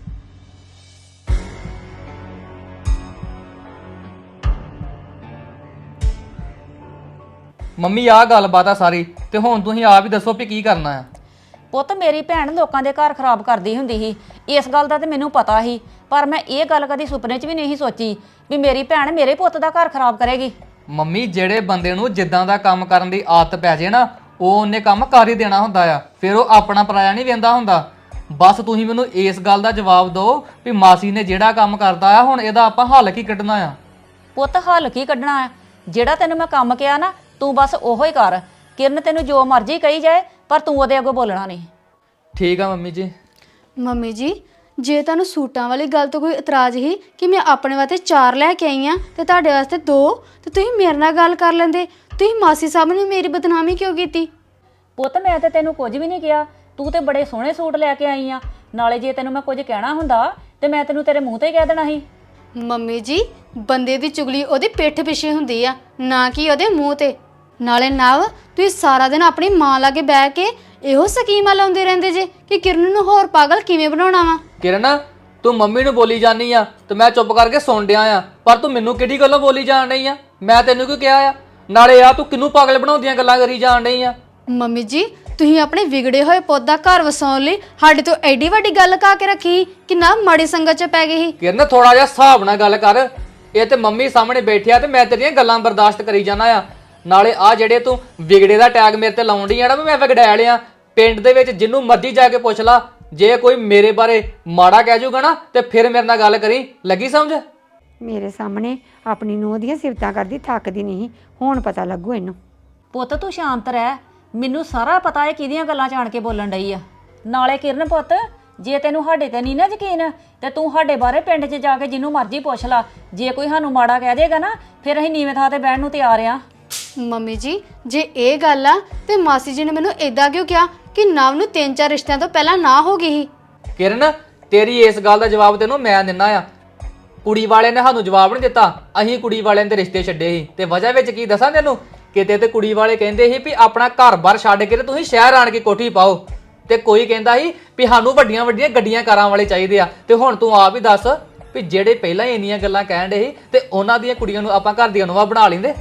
[SPEAKER 1] ਮੰਮੀ ਆਹ ਗੱਲਬਾਤ ਆ ਸਾਰੀ, ਤੇ ਹੁਣ ਤੁਸੀਂ ਆਪ ਹੀ ਦੱਸੋ ਵੀ ਕੀ ਕਰਨਾ ਆ।
[SPEAKER 3] ਪੁੱਤ ਮੇਰੀ ਭੈਣ ਲੋਕਾਂ ਦੇ ਘਰ ਖਰਾਬ ਕਰਦੀ ਹੁੰਦੀ ਸੀ, ਇਸ ਗੱਲ ਦਾ ਤੇ ਮੈਨੂੰ ਪਤਾ ਸੀ, ਪਰ ਮੈਂ ਇਹ ਗੱਲ ਕਦੀ ਸੁਪਨੇ 'ਚ ਵੀ ਨਹੀਂ ਸੋਚੀ ਵੀ ਮੇਰੀ ਭੈਣ ਮੇਰੇ ਪੁੱਤ ਦਾ ਘਰ ਖਰਾਬ ਕਰੇਗੀ।
[SPEAKER 1] ਮੰਮੀ ਜਿਹੜੇ ਬੰਦੇ ਨੂੰ ਜਿੱਦਾਂ ਦਾ ਕੰਮ ਕਰਨ ਦੀ ਆਦਤ ਪੈ ਜੇ ਨਾ, ਉਹ ਉਹਨੇ ਕੰਮ ਕਰ ਹੀ ਦੇਣਾ ਹੁੰਦਾ ਆ। ਫਿਰ ਉਹ ਆਪਣਾ ਪਰਾਇਆ ਨਹੀਂ ਵੇਂਦਾ ਹੁੰਦਾ। ਬਸ ਤੁਸੀਂ ਮੈਨੂੰ ਇਸ ਗੱਲ ਦਾ ਜਵਾਬ ਦਿਓ ਵੀ ਮਾਸੀ ਨੇ ਜਿਹੜਾ ਕੰਮ ਕਰਦਾ ਆ, ਹੁਣ ਇਹਦਾ ਆਪਾਂ ਹੱਲ ਕੀ ਕੱਢਣਾ ਆ?
[SPEAKER 3] ਪੁੱਤ ਹੱਲ ਕੀ ਕੱਢਣਾ ਆ? ਜਿਹੜਾ ਤੈਨੂੰ ਮੈਂ ਕੰਮ ਕਿਹਾ ਨਾ, ਤੂੰ ਬਸ ਉਹੋ ਹੀ ਕਰ। ਕਿਰਨ ਤੈਨੂੰ ਜੋ ਮਰਜ਼ੀ ਕਹੀ ਜਾਏ, ਪਰ ਤੂੰ ਉਹਦੇ ਅੱਗੇ ਬੋਲਣਾ ਨਹੀਂ।
[SPEAKER 1] ਠੀਕ ਆ ਮੰਮੀ ਜੀ।
[SPEAKER 2] ਮੰਮੀ ਜੀ ਜੇ ਤੁਹਾਨੂੰ ਸੂਟਾਂ ਵਾਲੀ ਗੱਲ ਤੋਂ ਕੋਈ ਇਤਰਾਜ਼ ਹੀ ਕਿ ਮੈਂ ਆਪਣੇ ਵਾਸਤੇ 4 ਲੈ ਕੇ ਆਈ ਆ ਤੇ ਤੁਹਾਡੇ ਵਾਸਤੇ 2, ਤੇ ਤੁਸੀਂ ਮੇਰੇ ਨਾਲ ਗੱਲ ਕਰ ਲੈਂਦੇ। ਤੁਸੀਂ ਮਾਸੀ ਸਾਹਿਬ ਨੇ ਮੇਰੀ ਬਦਨਾਮੀ ਕਿਉਂ ਕੀਤੀ?
[SPEAKER 3] ਪੁੱਤ ਮੈਂ ਤੇ ਤੈਨੂੰ ਕੁਝ ਵੀ ਨਹੀਂ ਕਿਹਾ, ਤੂੰ ਤੇ ਬੜੇ ਸੋਹਣੇ ਸੂਟ ਲੈ ਕੇ ਆਈ ਆ। ਨਾਲੇ ਜੇ ਤੈਨੂੰ ਮੈਂ ਕੁਝ ਕਹਿਣਾ ਹੁੰਦਾ ਤੇ ਮੈਂ ਤੈਨੂੰ ਤੇਰੇ ਮੂੰਹ ਤੇ ਕਹਿ ਦੇਣਾ ਸੀ।
[SPEAKER 2] ਮੰਮੀ ਜੀ ਬੰਦੇ ਦੀ ਚੁਗਲੀ ਉਹਦੀ ਪਿੱਠ ਪਿੱਛੇ ਹੁੰਦੀ ਆ, ਨਾ ਕਿ ਉਹਦੇ ਮੂੰਹ ਤੇ। ਨਾਲੇ ਨਵ ਤੁਸੀਂ ਸਾਰਾ ਦਿਨ ਆਪਣੀ ਮਾਂ ਲਾਗੇ ਬਹਿ ਕੇ ਇਹੋ ਸਕੀਮਾਂ ਲਾਉਂਦੇ ਰਹਿੰਦੇ ਜੇ ਕਿ ਕਿਰਨ ਨੂੰ ਹੋਰ ਪਾਗਲ ਕਿਵੇਂ ਬਣਾਉਣਾ ਵਾ।
[SPEAKER 1] ਕਿਰਨ ਤੂੰ ਮੰਮੀ ਨੂੰ ਬੋਲੀ ਜਾਨੀ ਆ ਤੇ ਮੈਂ ਚੁੱਪ ਕਰਕੇ ਸੁਣ ਡਿਆ ਆ, ਪਰ ਤੂੰ ਮੈਨੂੰ ਕਿਹੜੀ ਗੱਲੋਂ ਬੋਲੀ ਜਾਣ ਰਹੀ ਆ? ਮੈਂ ਤੈਨੂੰ ਕਿਉਂ ਕਿਹਾ ਆ? ਨਾਲੇ ਆ ਤੂੰ ਕਿਹਨੂੰ ਪਾਗਲ ਬਣਾਉਂਦੀਆਂ ਗੱਲਾਂ ਕਰੀ ਜਾਣ ਰਹੀ ਆ?
[SPEAKER 2] ਮੰਮੀ ਜੀ ਤੁਸੀਂ ਆਪਣੇ ਵਿਗੜੇ ਹੋਏ ਪੁੱਤ ਦਾ ਘਰ ਵਸਾਉਣ ਲਈ ਸਾਡੇ ਤੋਂ ਐਡੀ ਵੱਡੀ ਗੱਲ ਕਾ ਕੇ ਰੱਖੀ ਕਿ ਨਾ ਮਾੜੀ ਸੰਗਤ 'ਚ ਪੈ ਗਈ ਸੀ।
[SPEAKER 1] ਕਿਰਨ ਥੋੜਾ ਜਿਹਾ ਹਿਸਾਬ ਨਾਲ ਗੱਲ ਕਰ। ਇਹ ਤੇ ਮੰਮੀ ਸਾਹਮਣੇ ਬੈਠਿਆ ਤੇ ਮੈਂ ਤੇਰੀਆਂ ਗੱਲਾਂ ਬਰਦਾਸ਼ਤ ਕਰੀ ਜਾਣਾ ਆ। ਨਾਲੇ ਆ ਜਿਹੜੇ ਤੂੰ ਵਿਗੜੇ ਦਾ ਟੈਗ ਮੇਰੇ ਤੇ ਲਾਉਣ ਡਈ ਆ ਨਾ, ਮੈਂ ਵਿਗੜੈ ਲਿਆ। ਪਿੰਡ ਦੇ ਵਿੱਚ ਜਿੰਨੂੰ ਮਰਜ਼ੀ ਜਾ ਕੇ ਪੁੱਛ ਲਾ, ਜੇ ਕੋਈ ਮੇਰੇ ਬਾਰੇ ਮਾੜਾ ਕਹਿ ਜੂਗਾ ਨਾ ਤੇ ਫਿਰ ਮੇਰੇ ਨਾਲ ਗੱਲ ਕਰੀ। ਲੱਗੀ ਸਮਝ?
[SPEAKER 4] ਮੇਰੇ ਸਾਹਮਣੇ ਆਪਣੀ ਨੂੰਹ ਦੀਆਂ ਸਿਫਤਾਂ ਕਰਦੀ ਥੱਕਦੀ ਨਹੀਂ, ਹੁਣ ਪਤਾ ਲੱਗੂ ਇਹਨੂੰ।
[SPEAKER 3] ਪੁੱਤ ਤੂੰ ਸ਼ਾਂਤ ਰਹਿ, ਮੈਨੂੰ ਸਾਰਾ ਪਤਾ ਹੈ ਕਿਹਦੀਆਂ ਗੱਲਾਂ ਜਾਣ ਕੇ ਬੋਲਣ ਡਈ ਆ। ਨਾਲੇ ਕਿਰਨ ਪੁੱਤ ਜੇ ਤੈਨੂੰ ਸਾਡੇ ਤੇ ਨਹੀਂ ਨਾ ਯਕੀਨ ਤੇ ਤੂੰ ਸਾਡੇ ਬਾਰੇ ਪਿੰਡ 'ਚ ਜਾ ਕੇ ਜਿਹਨੂੰ ਮਰਜ਼ੀ ਪੁੱਛ ਲਾ। ਜੇ ਕੋਈ ਸਾਨੂੰ ਮਾੜਾ ਕਹਿ ਦੇਗਾ ਨਾ, ਫਿਰ ਅਸੀਂ ਨੀਵੇਂ ਥਾਂ ਤੇ ਬਹਿਣ ਨੂੰ ਤਿਆਰ ਆ।
[SPEAKER 2] ਮੰਮੀ ਜੀ ਜੇ ਇਹ ਗੱਲ ਆ ਤੇ ਮਾਸੀ ਜੀ ਨੇ ਮੈਨੂੰ ਏਦਾਂ ਕਿਉਂ ਕਿਹਾ ਕਿ ਨਵ ਨੂੰ 3-4 ਰਿਸ਼ਤਿਆਂ ਤੋਂ ਪਹਿਲਾਂ ਨਾ ਹੋ ਗਈ ਸੀ?
[SPEAKER 1] ਕਿਰਨ ਤੇਰੀ ਇਸ ਗੱਲ ਦਾ ਜਵਾਬ ਤੈਨੂੰ ਮੈਂ ਦਿੰਨਾ ਆ। ਕੁੜੀ ਵਾਲੇ ਨੇ ਸਾਨੂੰ ਜਵਾਬ ਨਹੀਂ ਦਿੱਤਾ, ਅਸੀਂ ਕੁੜੀ ਵਾਲਿਆਂ ਦੇ ਰਿਸ਼ਤੇ ਛੱਡੇ ਸੀ। ਤੇ ਵਜ੍ਹਾ ਵਿੱਚ ਕੀ ਦੱਸਾਂ ਤੈਨੂੰ? ਕਿਤੇ ਤੇ ਕੁੜੀ ਵਾਲੇ ਕਹਿੰਦੇ ਸੀ ਵੀ ਆਪਣਾ ਘਰ-ਬਾਰ ਛੱਡ ਕੇ ਤੇ ਤੁਸੀਂ ਸ਼ਹਿਰ ਆਣ ਕੇ ਕੋਠੀ ਪਾਓ, ਤੇ ਕੋਈ ਕਹਿੰਦਾ ਸੀ ਵੀ ਸਾਨੂੰ ਵੱਡੀਆਂ-ਵੱਡੀਆਂ ਗੱਡੀਆਂ ਕਾਰਾਂ ਵਾਲੇ ਚਾਹੀਦੇ ਆ। ਤੇ ਹੁਣ ਤੂੰ ਆਪ ਹੀ ਦੱਸ ਵੀ ਜਿਹੜੇ ਪਹਿਲਾਂ ਹੀ ਇੰਨੀਆਂ ਗੱਲਾਂ ਕਹਿਣ ਦੇ ਸੀ ਤੇ ਉਹਨਾਂ ਦੀਆਂ ਕੁੜੀਆਂ ਨੂੰ ਆਪਾਂ ਘਰ ਦੀਆਂ ਨੂੰਹਾਂ ਬਣਾ ਲੈਂਦੇ।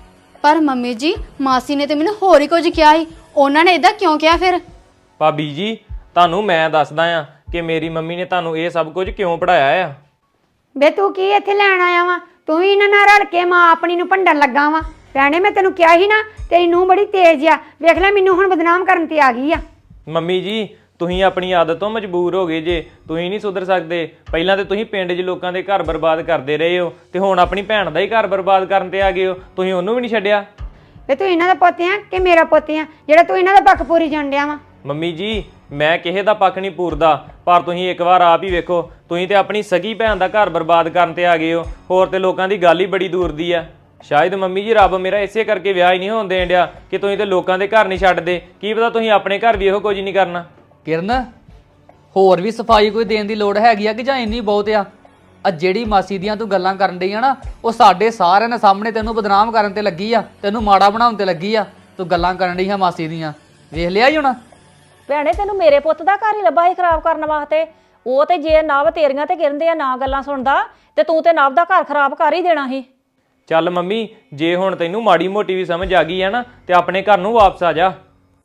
[SPEAKER 2] ਪਰ ਮੰਮੀ ਜੀ ਮਾਸੀ ਨੇ ਤੇ ਮੈਨੂੰ ਹੋਰ ਹੀ ਕੁਝ ਕਿਹਾ ਸੀ। ਉਹਨਾਂ ਨੇ ਇਦਾਂ ਕਿਉਂ ਕਿਹਾ ਫਿਰ?
[SPEAKER 5] ਭਾਬੀ ਜੀ ਤੁਹਾਨੂੰ ਮੈਂ ਦੱਸਦਾ ਆ ਕਿ ਮੇਰੀ ਮੰਮੀ ਨੇ ਤੁਹਾਨੂੰ ਇਹ ਸਭ ਕੁਝ ਕਿਉਂ ਪੜਾਇਆ ਆ।
[SPEAKER 4] ਬੇ ਤੂੰ ਕੀ ਇੱਥੇ ਲੈਣ ਆਇਆ ਵਾ? ਤੂੰ ਵੀ ਇਹਨਾਂ ਨਾਲ ਰਲ ਕੇ ਮਾਂ ਆਪਣੀ ਨੂੰ ਭੰਡਣ ਲੱਗਾ ਵਾ। ਭੈਣੇ ਮੈਂ ਤੈਨੂੰ ਕਿਹਾ ਸੀ ਨਾ, ਤੇਰੀ ਨੂੰਹ ਬੜੀ ਤੇਜ਼ ਆ, ਵੇਖ ਲੈ ਮੈਨੂੰ ਹੁਣ ਬਦਨਾਮ ਕਰਨ ਤੇ ਆ ਗਈ ਆ।
[SPEAKER 5] ਮੰਮੀ ਜੀ ਤੁਸੀਂ ਆਪਣੀ ਆਦਤ ਤੋਂ ਮਜਬੂਰ ਹੋ ਗਏ ਜੇ, ਤੁਸੀਂ ਨਹੀਂ ਸੁਧਰ ਸਕਦੇ। ਪਹਿਲਾਂ ਤੇ ਤੁਸੀਂ ਪਿੰਡ 'ਚ ਲੋਕਾਂ ਦੇ ਘਰ ਬਰਬਾਦ ਕਰਦੇ ਰਹੇ ਹੋ ਤੇ ਹੁਣ ਆਪਣੀ ਭੈਣ ਦਾ ਹੀ ਘਰ ਬਰਬਾਦ ਕਰਨ ਤੇ ਆ ਗਏ ਹੋ। ਤੁਸੀਂ ਉਹਨੂੰ ਵੀ ਨਹੀਂ ਛੱਡਿਆ।
[SPEAKER 4] ਵੇ ਤੂੰ ਇਹਨਾਂ ਦਾ ਪੁੱਤ ਆ ਕਿ ਮੇਰਾ ਪੁੱਤ ਆ ਜਿਹੜਾ ਤੂੰ ਇਹਨਾਂ ਦਾ ਪੱਖ ਪੂਰੀ ਜਾਣ ਡਿਆ ਵਾ?
[SPEAKER 5] ਮੰਮੀ ਜੀ ਮੈਂ ਕਿਸੇ ਦਾ ਪੱਖ ਨਹੀਂ ਪੂਰਦਾ, ਪਰ ਤੁਸੀਂ ਇੱਕ ਵਾਰ ਆਪ ਹੀ ਵੇਖੋ, ਤੁਸੀਂ ਤੇ ਆਪਣੀ ਸਗੀ ਭੈਣ ਦਾ ਘਰ ਬਰਬਾਦ ਕਰਨ ਤੇ ਆ ਗਏ ਹੋ। ਹੋਰ ਤੇ ਲੋਕਾਂ ਦੀ ਗੱਲ ਹੀ ਬੜੀ ਦੂਰ ਦੀ ਆ। ਸ਼ਾਇਦ ਮੰਮੀ ਜੀ ਰੱਬ ਮੇਰਾ ਇਸੇ ਕਰਕੇ ਵਿਆਹ ਹੀ ਨਹੀਂ ਹੋਣ ਦੇਣ ਡਿਆ ਕਿ ਤੁਸੀਂ ਤੇ ਲੋਕਾਂ ਦੇ ਘਰ ਨਹੀਂ ਛੱਡਦੇ। ਕੀ ਪਤਾ ਤੁਸੀਂ ਆਪਣੇ ਘਰ ਵੀ ਇਹੋ ਕੁਝ ਨਹੀਂ ਕਰਨਾ।
[SPEAKER 1] ਕਿਰਨ, ਹੋਰ ਵੀ ਸਫਾਈ ਕੋਈ ਦੇਣ ਦੀ ਲੋੜ ਹੈਗੀ ਆ ਕਿ ਜਾਂ ਇੰਨੀ ਬਹੁਤ ਆ ਜਿਹੜੀ ਮਾਸੀ ਦੀਆਂ ਤੂੰ ਗੱਲਾਂ ਕਰਨ ਡਈ ਆ ਨਾ, ਉਹ ਸਾਡੇ ਸਾਰਿਆਂ ਦੇ ਸਾਹਮਣੇ ਤੈਨੂੰ ਬਦਨਾਮ ਕਰਨ ਤੇ ਲੱਗੀ ਆ, ਤੈਨੂੰ ਮਾੜਾ ਬਣਾਉਣ ਤੇ ਲੱਗੀ ਆ। ਤੂੰ ਗੱਲਾਂ ਕਰਨ ਡਈ ਆ ਮਾਸੀ ਦੀਆਂ, ਵੇਖ ਲਿਆ ਹੀ ਹੋਣਾ।
[SPEAKER 3] ਭੈਣੇ ਤੈਨੂੰ ਮੇਰੇ ਪੁੱਤ ਦਾ ਘਰ ਹੀ ਲੱਭਾ ਸੀ ਖਰਾਬ ਕਰਨ ਵਾਸਤੇ। ਉਹ ਤੇ ਜੇ ਨਵ ਤੇਰੀਆਂ ਤੇ ਕਿਰਨ ਦੀਆਂ ਨਾ ਗੱਲਾਂ ਸੁਣਦਾ ਤੇ ਤੂੰ ਤੇ ਨਵ ਦਾ ਘਰ ਖਰਾਬ ਕਰ ਹੀ ਦੇਣਾ ਸੀ।
[SPEAKER 5] ਚੱਲ ਮੰਮੀ, ਜੇ ਹੁਣ ਤੈਨੂੰ ਮਾੜੀ ਮੋਟੀ ਵੀ ਸਮਝ ਆ ਗਈ ਹੈ ਨਾ ਤੇ ਆਪਣੇ ਘਰ ਨੂੰ ਵਾਪਸ ਆ ਜਾ।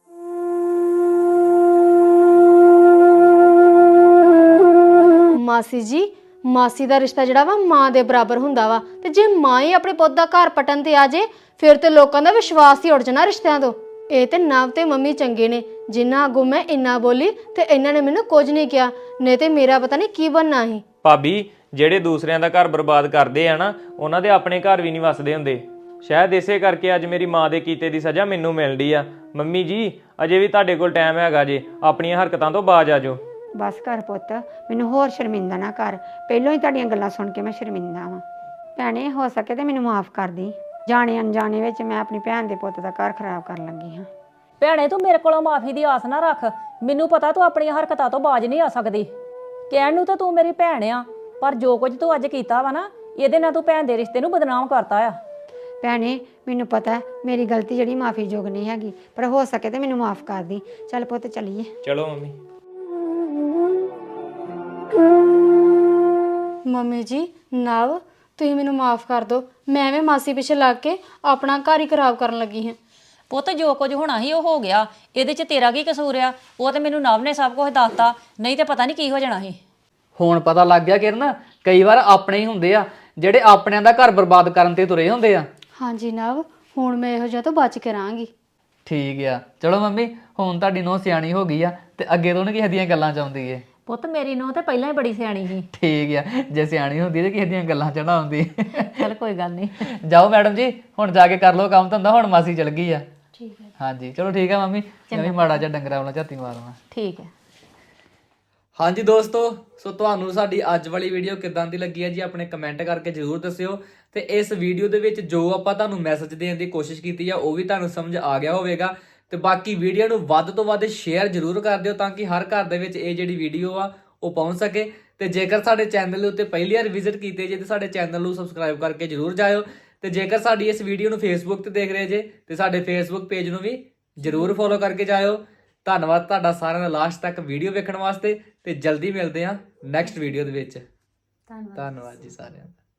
[SPEAKER 2] ਮਾਸੀ ਜੀ, ਮਾਸੀ ਦਾ ਰਿਸ਼ਤਾ ਜਿਹੜਾ ਵਾ ਮਾਂ ਦੇ ਬਰਾਬਰ ਹੁੰਦਾ ਵਾ, ਤੇ ਜੇ ਮਾਂ ਹੀ ਆਪਣੇ ਪੁੱਤ ਦਾ ਘਰ ਪਟਣ ਤੇ ਆ ਜੇ ਫਿਰ ਤੇ ਲੋਕਾਂ ਦਾ ਵਿਸ਼ਵਾਸ ਹੀ ਉੱਡ ਜਾਣਾ ਰਿਸ਼ਤਿਆਂ ਤੋਂ। ਇਹ ਤੇ ਨਵ ਤੇ ਮੰਮੀ ਚੰਗੇ ਨੇ, ਜਿੰਨਾ ਅੱਗੋਂ ਮੈਂ ਇੰਨਾ ਬੋਲੀ ਤੇ ਇਹਨਾਂ ਨੇ ਮੈਨੂੰ ਕੁਝ ਨਹੀਂ ਕਿਹਾ, ਨਹੀਂ ਤੇ ਮੇਰਾ ਪਤਾ ਨਹੀਂ ਕੀ ਬਣਨਾ ਸੀ।
[SPEAKER 5] ਭਾਬੀ, ਜਿਹੜੇ ਦੂਸਰਿਆਂ ਦਾ ਘਰ ਬਰਬਾਦ ਕਰਦੇ ਆ ਨਾ, ਉਹਨਾਂ ਦੇ ਆਪਣੇ ਘਰ ਵੀ ਨਹੀਂ ਵਸਦੇ ਹੁੰਦੇ। ਸ਼ਾਇਦ ਇਸੇ ਕਰਕੇ ਅੱਜ ਮੇਰੀ ਮਾਂ ਦੇ ਕੀਤੇ ਦੀ ਸਜ਼ਾ ਮੈਨੂੰ ਮਿਲਦੀ ਆ। ਮੰਮੀ ਜੀ ਅਜੇ ਵੀ ਤੁਹਾਡੇ ਕੋਲ ਟਾਈਮ ਹੈਗਾ ਜੇ, ਆਪਣੀਆਂ ਹਰਕਤਾਂ ਤੋਂ ਬਾਜ਼ ਆ ਜਾਓ।
[SPEAKER 4] ਬਸ ਕਰ ਪੁੱਤ, ਮੈਨੂੰ ਹੋਰ ਸ਼ਰਮਿੰਦਾ ਨਾ ਕਰ। ਪਹਿਲਾਂ ਹੀ ਤੁਹਾਡੀਆਂ ਗੱਲਾਂ ਸੁਣ ਕੇ ਮੈਂ ਸ਼ਰਮਿੰਦਾ ਵਾਂ। ਭੈਣੇ ਹੋ ਸਕੇ ਤੇ ਮੈਨੂੰ ਮਾਫ ਕਰ ਦੀ। ਜਾਣੇ ਅਣਜਾਣੇ ਵਿੱਚ ਮੈਂ ਆਪਣੀ ਭੈਣ ਦੇ ਪੁੱਤ ਦਾ ਘਰ ਖਰਾਬ ਕਰਨ ਲੱਗੀ ਹਾਂ।
[SPEAKER 3] ਭੈਣੇ ਤੂੰ ਮੇਰੇ ਕੋਲੋਂ ਮਾਫੀ ਦੀ ਆਸ ਨਾ ਰੱਖ। ਮੈਨੂੰ ਪਤਾ ਤੂੰ ਆਪਣੀਆਂ ਹਰਕਤਾਂ ਤੋਂ ਬਾਜ਼ ਨਹੀਂ ਆ ਸਕਦੀ। ਕਹਿਣ ਨੂੰ ਤਾਂ ਤੂੰ ਮੇਰੀ ਭੈਣ ਆ, ਪਰ ਜੋ ਕੁਝ ਤੂੰ ਅੱਜ ਕੀਤਾ ਵਾ ਨਾ, ਇਹਦੇ ਨਾਲ ਤੂੰ ਭੈਣ ਦੇ ਰਿਸ਼ਤੇ ਨੂੰ ਬਦਨਾਮ ਕਰਤਾ ਆ।
[SPEAKER 4] ਭੈਣੇ ਮੈਨੂੰ ਪਤਾ ਮੇਰੀ ਗਲਤੀ ਜਿਹੜੀ ਮਾਫੀ ਯੋਗ ਨਹੀਂ ਹੈਗੀ, ਪਰ ਹੋ ਸਕੇ ਤੇ ਮੈਨੂੰ ਮਾਫ ਕਰ ਦੀ। ਚੱਲ ਪੁੱਤ ਚੱਲੀਏ।
[SPEAKER 5] ਚਲੋ ਮੰਮੀ।
[SPEAKER 2] ਮੰਮੀ ਜੀ, ਨਵ ਤੁਸੀਂ ਮੈਨੂੰ ਮਾਫ ਕਰ ਦਿਓ। ਮੈਂ ਐਵੇਂ ਮਾਸੀ ਪਿੱਛੇ ਲੱਗ ਕੇ ਆਪਣਾ ਘਰ ਹੀ ਖਰਾਬ ਕਰਨ ਲੱਗੀ ਹਾਂ।
[SPEAKER 3] ਪੁੱਤ ਜੋ ਕੁਝ ਹੋਣਾ ਸੀ ਉਹ ਹੋ ਗਿਆ, ਇਹਦੇ 'ਚ ਤੇਰਾ ਕੀ ਕਸੂਰ ਆ? ਉਹ ਤੇ ਮੈਨੂੰ ਨਵ ਨੇ ਸਭ ਕੁਝ ਦੱਸਤਾ, ਨਹੀਂ ਤੇ ਪਤਾ ਨਹੀਂ ਕੀ ਹੋ ਜਾਣਾ ਸੀ।
[SPEAKER 1] ਹੁਣ ਪਤਾ ਲੱਗ ਗਿਆ ਕਿਰਨ, ਕਈ ਵਾਰ ਆਪਣੇ ਹੀ ਹੁੰਦੇ ਆ ਜਿਹੜੇ ਆਪਣਿਆਂ ਦਾ ਘਰ ਬਰਬਾਦ ਕਰਨ ਤੇ ਤੁਰੇ ਹੁੰਦੇ ਆ।
[SPEAKER 2] ਹਾਂਜੀ ਨਵ, ਹੁਣ ਮੈਂ ਇਹੋ ਜਿਹਾ ਤੋਂ ਬਚ ਕੇ ਰਹਾਂਗੀ।
[SPEAKER 1] ਠੀਕ ਆ, ਚਲੋ ਮੰਮੀ, ਹੁਣ ਤੁਹਾਡੀ ਨੂੰਹ ਸਿਆਣੀ ਹੋ ਗਈ ਆ ਤੇ ਅੱਗੇ ਤੋਂ ਨੀ ਕਿਸੇ ਦੀਆਂ ਗੱਲਾਂ ਚ ਆਉਂਦੀ ਏ।
[SPEAKER 3] ਪੁੱਤ ਮੇਰੀ ਨੂੰਹ ਤੇ ਪਹਿਲਾਂ ਹੀ ਬੜੀ ਸਿਆਣੀ ਸੀ।
[SPEAKER 1] ਠੀਕ ਆ, ਜੇ ਸਿਆਣੀ ਹੁੰਦੀ ਤੇ ਕਿਸੇ ਦੀਆਂ ਗੱਲਾਂ ਚ ਨਾ ਆਉਂਦੀ।
[SPEAKER 3] ਚਲ ਕੋਈ ਗੱਲ ਨਹੀਂ।
[SPEAKER 1] ਜਾਓ ਮੈਡਮ ਜੀ, ਹੁਣ ਜਾ ਕੇ ਕਰ ਲਓ ਕੰਮ ਧੰਦਾ, ਹੁਣ ਮਾਸੀ ਚਲ ਗਈ ਆ।
[SPEAKER 2] ਠੀਕ ਹੈ।
[SPEAKER 1] ਹਾਂਜੀ ਚਲੋ ਠੀਕ ਆ ਮੰਮੀ, ਮੈਂ ਵੀ ਮਾੜਾ ਜਿਹਾ ਡੰਗਰਾਂ ਵਾਲਾ ਝਾਤੀ ਮਾਰਨਾ।
[SPEAKER 3] ਠੀਕ ਹੈ।
[SPEAKER 1] ਹਾਂਜੀ ਦੋਸਤੋ, ਸੋ ਤੁਹਾਨੂੰ ਸਾਡੀ ਅੱਜ ਵਾਲੀ ਵੀਡੀਓ ਕਿੱਦਾਂ ਦੀ ਲੱਗੀ ਹੈ ਜੀ, ਆਪਣੇ ਕਮੈਂਟ ਕਰਕੇ ਜਰੂਰ ਦੱਸਿਓ। ਤੇ ਇਸ ਵੀਡੀਓ ਦੇ ਵਿੱਚ ਜੋ ਆਪਾਂ ਤੁਹਾਨੂੰ ਮੈਸੇਜ ਦੇਣ ਦੀ ਕੋਸ਼ਿਸ਼ ਕੀਤੀ ਆ ਉਹ ਵੀ ਤੁਹਾਨੂੰ ਸਮਝ ਆ ਗਿਆ ਹੋਵੇਗਾ। ਤੇ ਬਾਕੀ ਵੀਡੀਓ ਨੂੰ ਵੱਧ ਤੋਂ ਵੱਧ ਸ਼ੇਅਰ ਜਰੂਰ ਕਰ ਦਿਓ ਤਾਂ ਕਿ ਹਰ ਘਰ ਦੇ ਵਿੱਚ ਇਹ ਜਿਹੜੀ ਵੀਡੀਓ ਆ ਉਹ ਪਹੁੰਚ ਸਕੇ। ਤੇ ਜੇਕਰ ਸਾਡੇ ਚੈਨਲ ਦੇ ਉੱਤੇ ਪਹਿਲੀ ਵਾਰ ਵਿਜ਼ਿਟ ਕੀਤੇ ਜੇ ਤੇ ਸਾਡੇ ਚੈਨਲ ਨੂੰ ਸਬਸਕ੍ਰਾਈਬ ਕਰਕੇ ਜਰੂਰ ਜਾਇਓ। ਤੇ ਜੇਕਰ ਸਾਡੀ ਇਸ ਵੀਡੀਓ ਨੂੰ ਫੇਸਬੁੱਕ ਤੇ ਦੇਖ ਰਹੇ ਜੇ ਤੇ ਸਾਡੇ ਫੇਸਬੁੱਕ ਪੇਜ ਨੂੰ ਵੀ ਜਰੂਰ ਫੋਲੋ ਕਰਕੇ ਜਾਇਓ। ਧੰਨਵਾਦ ਤੁਹਾਡਾ ਸਾਰਿਆਂ ਦਾ ਲਾਸਟ ਤੱਕ ਵੀਡੀਓ ਵੇਖਣ ਵਾਸਤੇ, ਤੇ ਜਲਦੀ ਮਿਲਦੇ ਹਾਂ ਨੈਕਸਟ ਵੀਡੀਓ ਦੇ ਵਿੱਚ। ਧੰਨਵਾਦ ਜੀ ਸਾਰਿਆਂ ਦਾ।